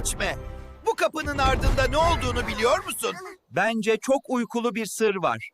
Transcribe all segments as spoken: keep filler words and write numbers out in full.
geçme. Bu kapının ardında ne olduğunu biliyor musun? Bence çok uykulu bir sır var.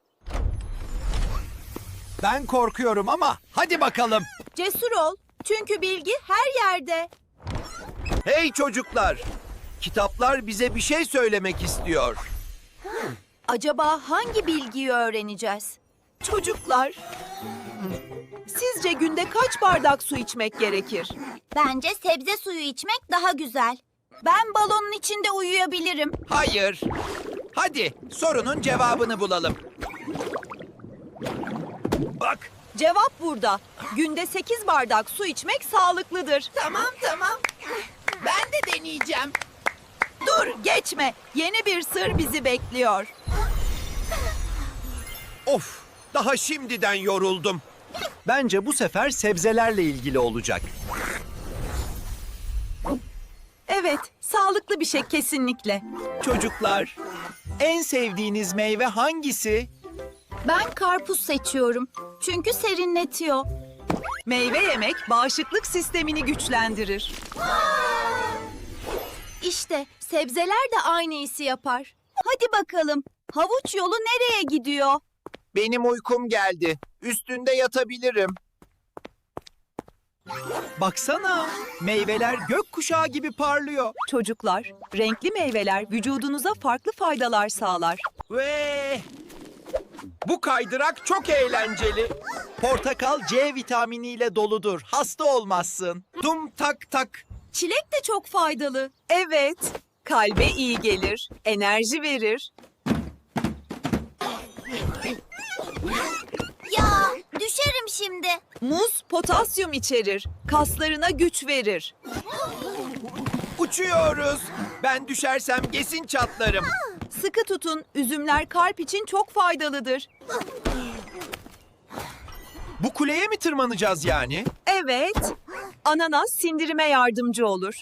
Ben korkuyorum ama hadi bakalım. Cesur ol. Çünkü bilgi her yerde. Hey çocuklar! Kitaplar bize bir şey söylemek istiyor. Acaba hangi bilgiyi öğreneceğiz? Çocuklar, sizce günde kaç bardak su içmek gerekir? Bence sebze suyu içmek daha güzel. Ben balonun içinde uyuyabilirim. Hayır. Hadi sorunun cevabını bulalım. Bak. Cevap burada. Günde sekiz bardak su içmek sağlıklıdır. Tamam tamam. Ben de deneyeceğim. Dur, geçme. Yeni bir sır bizi bekliyor. Of! Daha şimdiden yoruldum. Bence bu sefer sebzelerle ilgili olacak. Evet, sağlıklı bir şey kesinlikle. Çocuklar, en sevdiğiniz meyve hangisi? Ben karpuz seçiyorum. Çünkü serinletiyor. Meyve yemek bağışıklık sistemini güçlendirir. İşte sebzeler de aynı hissi yapar. Hadi bakalım. Havuç yolu nereye gidiyor? Benim uykum geldi. Üstünde yatabilirim. Baksana, meyveler gökkuşağı gibi parlıyor. Çocuklar, renkli meyveler vücudunuza farklı faydalar sağlar. Ve bu kaydırak çok eğlenceli. Portakal C vitaminiyle doludur. Hasta olmazsın. Tum tak tak. Çilek de çok faydalı. Evet, kalbe iyi gelir, enerji verir. Ya düşerim şimdi. Muz potasyum içerir, kaslarına güç verir. Uçuyoruz. Ben düşersem kesin çatlarım. Sıkı tutun, üzümler kalp için çok faydalıdır. Bu kuleye mi tırmanacağız yani? Evet, ananas sindirime yardımcı olur.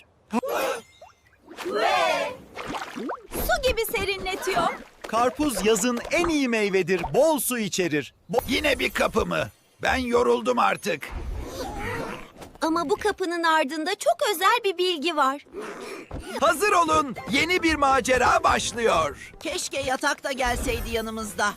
Su gibi serinletiyor. Karpuz yazın en iyi meyvedir. Bol su içerir. Bo- Yine bir kapı mı? Ben yoruldum artık. Ama bu kapının ardında çok özel bir bilgi var. Hazır olun. Yeni bir macera başlıyor. Keşke yatak da gelseydi yanımızda.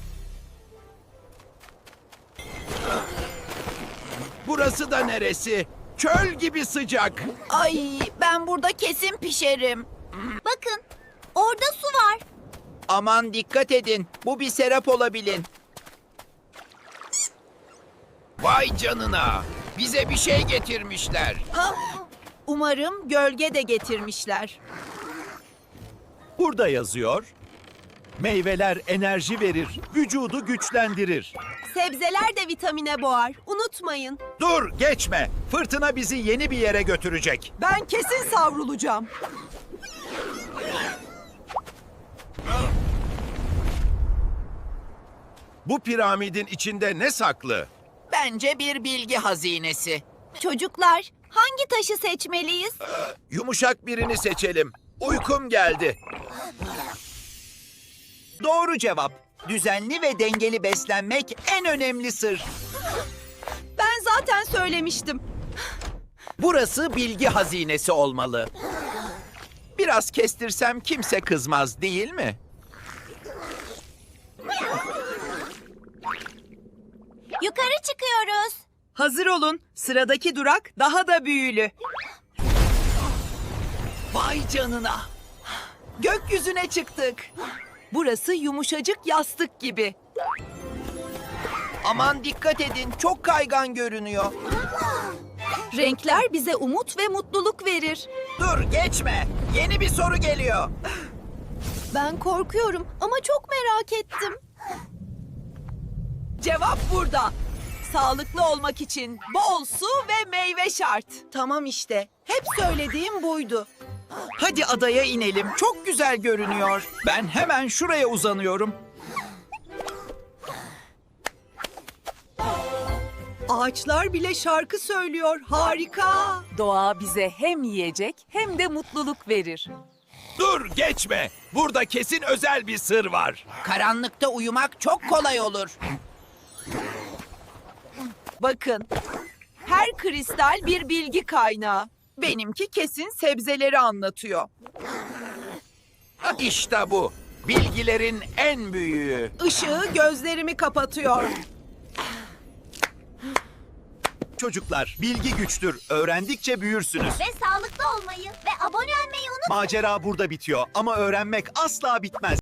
Burası da neresi? Çöl gibi sıcak. Ay, ben burada kesin pişerim. Bakın orada su var. Aman dikkat edin. Bu bir serap olabilin. Vay canına. Bize bir şey getirmişler. Umarım gölge de getirmişler. Burada yazıyor. Meyveler enerji verir, vücudu güçlendirir. Sebzeler de vitamine boğar. Unutmayın. Dur, geçme. Fırtına bizi yeni bir yere götürecek. Ben kesin savrulacağım. Bu piramidin içinde ne saklı? Bence bir bilgi hazinesi. Çocuklar hangi taşı seçmeliyiz? Yumuşak birini seçelim. Uykum geldi. Doğru cevap. Düzenli ve dengeli beslenmek en önemli sır. Ben zaten söylemiştim. Burası bilgi hazinesi olmalı. Biraz kestirsem kimse kızmaz, değil mi? Yukarı çıkıyoruz. Hazır olun. Sıradaki durak daha da büyülü. Vay canına. Gökyüzüne çıktık. Burası yumuşacık yastık gibi. Aman dikkat edin, çok kaygan görünüyor. Renkler bize umut ve mutluluk verir. Dur, geçme. Yeni bir soru geliyor. Ben korkuyorum ama çok merak ettim. Cevap burada. Sağlıklı olmak için bol su ve meyve şart. Tamam işte. Hep söylediğim buydu. Hadi adaya inelim. Çok güzel görünüyor. Ben hemen şuraya uzanıyorum. Ağaçlar bile şarkı söylüyor. Harika. Doğa bize hem yiyecek hem de mutluluk verir. Dur, geçme. Burada kesin özel bir sır var. Karanlıkta uyumak çok kolay olur. Bakın. Her kristal bir bilgi kaynağı. Benimki kesin sebzeleri anlatıyor. İşte bu. Bilgilerin en büyüğü. Işığı gözlerimi kapatıyor. Çocuklar, bilgi güçtür. Öğrendikçe büyürsünüz. Ve sağlıklı olmayı ve abone olmayı unutmayın. Macera burada bitiyor ama öğrenmek asla bitmez.